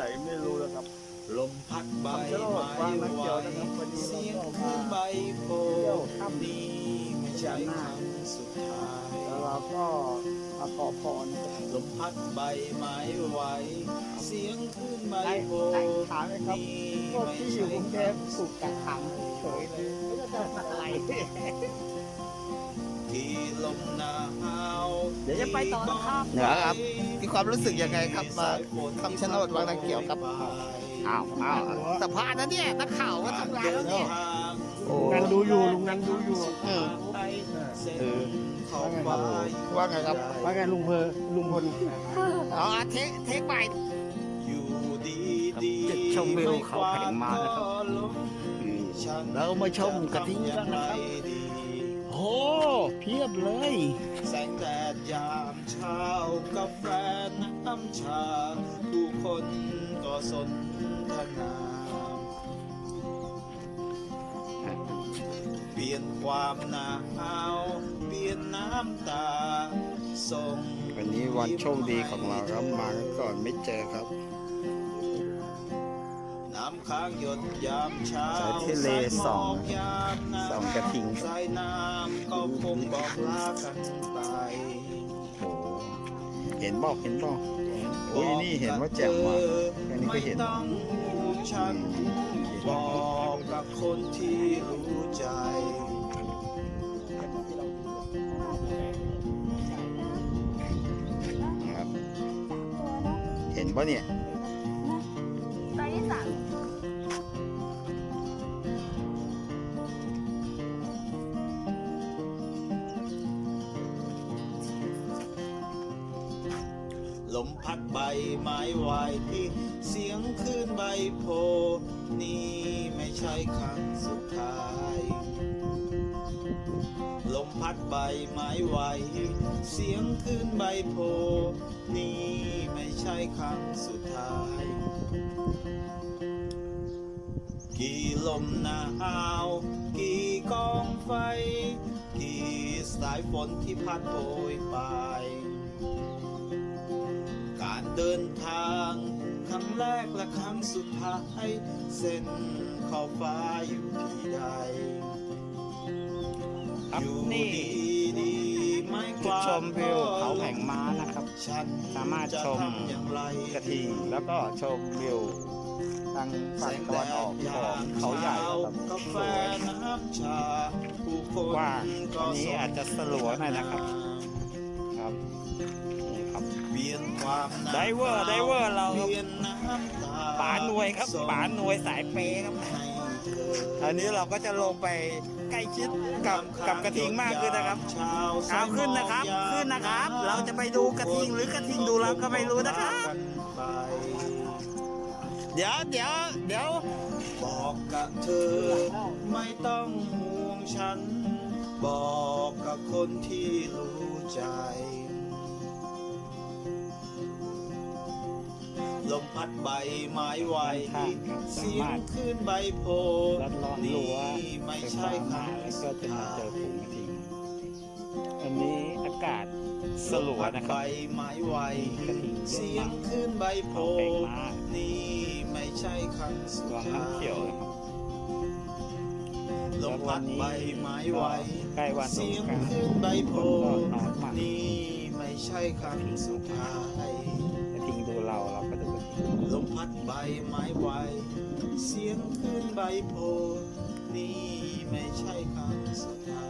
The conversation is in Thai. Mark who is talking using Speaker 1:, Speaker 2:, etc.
Speaker 1: ไม่รู้นะครับ
Speaker 2: ลมพัดใบ
Speaker 1: คำชะโนด
Speaker 2: ไม้
Speaker 1: วาง
Speaker 2: ไห
Speaker 1: น้ำ
Speaker 2: ว
Speaker 1: เขียวนะครับวันนี้
Speaker 2: เสียง
Speaker 1: เรา
Speaker 2: คลื่นใบโพ
Speaker 1: เที่ยวค่ำ
Speaker 2: นี่ไม่ใช่ครั้งสุดท้าย
Speaker 1: แล้วเราก็มาขอพรนะครับ
Speaker 2: ลมพัดใบไม้ไหวเสียงคลื่นใบ
Speaker 1: ได้
Speaker 2: โพ
Speaker 1: ได้ถามไหมครับ
Speaker 2: นี่
Speaker 1: พวก
Speaker 2: ไม่
Speaker 1: ที่อยู่
Speaker 2: ใช่
Speaker 1: กรุงเท
Speaker 2: ครั้
Speaker 1: พ
Speaker 2: ง
Speaker 1: ถูกกักขังเฉยเลยไม่รู้จะทำอะไร
Speaker 2: ที่ลมหนาว
Speaker 1: เดี๋ยวจะไปต่อนะครับ
Speaker 3: เหนือครับมีความรู้สึกยังไงครับมาคำชะโนดวังน้ำเขียวครับอ้าวสัมภาษณ์นะเนี่ยนักข่าวก็ทำงานแล้วเนี่ยโอ้
Speaker 1: ลุงนันดูอยู่ลุงนันดูอยู่
Speaker 3: เออว่าไงครับ
Speaker 1: ว่าไงลุงพล
Speaker 3: อ๋อเทคใหม่
Speaker 2: อยู่ดี
Speaker 3: จุดชมวิวเขาแผงม้านะครับ เรามาชมกระทิงกันนะครับโอ้เพียบเลย
Speaker 2: แสงแดดยามเช้ากาแฟน้ำชาผู้คนก็สนทนาเปลี่ยนความหนาวเปลี่ยนน้ำตาส่ง
Speaker 3: วันนี้วันโชคดีของเราครับมาก่อนไม่เจอครับ
Speaker 2: น้ำค้างหยดยามเช้า
Speaker 3: สายทะเลส่อง
Speaker 2: ยามหนาว
Speaker 3: ส่องกระทิง
Speaker 2: สายน้ำก็คงบอกลากันไป
Speaker 3: โอ้เห็นบอกโอ้ยนี่เห็นว่าแจ่มมากอันนี้ก็เห็น
Speaker 2: ไม่ต้องห่วงฉัน บอกกับคนที่รู้ใจ
Speaker 3: ครับเห็นปะเนี่ย
Speaker 4: ตัวที่สาม
Speaker 2: ลมพัดใบไม้ไหวเสียงคลื่นใบโพนี่ไม่ใช่ครั้งสุดท้าย ลมพัดใบไม้ไหวเสียงคลื่นใบโพนี่ไม่ใช่ครั้งสุดท้าย กี่ลมหนาวกี่กองไฟ กี่สายฝนที่พัดโบยไป การเดินทางครั้งแรกและครั้งสุดท้ายเส้นขอบฟ้าอยู่ที่ใด
Speaker 3: ครับ
Speaker 2: อยู่
Speaker 3: นี่
Speaker 2: ดีๆไม่ก
Speaker 3: จุด
Speaker 2: ว่า
Speaker 3: ชมวิวเขาแผงม้านะครับ
Speaker 2: ฉัน
Speaker 3: สามารถชม
Speaker 2: จะทำอย่างไร
Speaker 3: กระทิงแล้วก็ชมวิวทางฝั่งตะวันออกของเขาใหญ่นะครับ
Speaker 2: กา
Speaker 3: ส
Speaker 2: แฟ
Speaker 3: วย
Speaker 2: น้ำชาผู้คน
Speaker 3: กว้าง
Speaker 2: ก็
Speaker 3: อันนี้อาจจะสลัวหน่อยนะครับ ครับนี่ครับ
Speaker 2: เปลี่ยนความหนาว
Speaker 3: ไดเวอร์เรา
Speaker 2: เปลี่ยนน้ำตา
Speaker 3: ป๋าหน่วยครับป๋าหน่วยสายเปย์ครับ
Speaker 2: ให้เธอ
Speaker 3: อันนี้เราก็จะลงไปใกล้ชิดกับกระทิงมากขึ้นนะครับเอาขึ้นนะครับ เราจะไปดูกระทิงหรือกระทิงดูเราก็ไม่รู้นะครับ เดี๋ยว
Speaker 2: บอกกับเธอไม่ต้องห่วงฉัน บอกกับคนที่รู้ใจ ลมพัดใบไม้ไหวเสียงคลื่นใบโพ
Speaker 3: รัดล้อม
Speaker 2: นี่
Speaker 3: รั้ว
Speaker 2: ไม่
Speaker 3: ไฟ
Speaker 2: ใช่
Speaker 3: ฟ้า
Speaker 2: ค
Speaker 3: มา
Speaker 2: รั้ง
Speaker 3: แล้วก็
Speaker 2: สุด
Speaker 3: จะมา
Speaker 2: ท้า
Speaker 3: เจอย ฝูงกระทิงอันนี้อากาศสลัวนะค
Speaker 2: ใบ
Speaker 3: รับ
Speaker 2: ไม้ไหว
Speaker 3: กระทิงเย
Speaker 2: เสีย
Speaker 3: อะ
Speaker 2: ง
Speaker 3: มาก
Speaker 2: คลื่นใบโพ
Speaker 3: เขาแผงม้า
Speaker 2: นี่ไม่ใช่ครั้งสุด
Speaker 3: วัง
Speaker 2: ท้า
Speaker 3: น้ำเขียวย นะครับ
Speaker 2: ลมพัดใบไม้ไหว
Speaker 3: ใกล้วันส
Speaker 2: เสี
Speaker 3: ง
Speaker 2: ยง
Speaker 3: กรานต์
Speaker 2: คลื่นใบโพ
Speaker 3: คนก็น้อยมาก
Speaker 2: นี่ไม่ใช่ครั้งสุดท้าย
Speaker 3: กระทิงดูเราก็ดูกระทิง
Speaker 2: ลมพัดใบไม้ไหวเสียงคลื่นใบโพนี่ไม่ใช่ครั้งสุดท้าย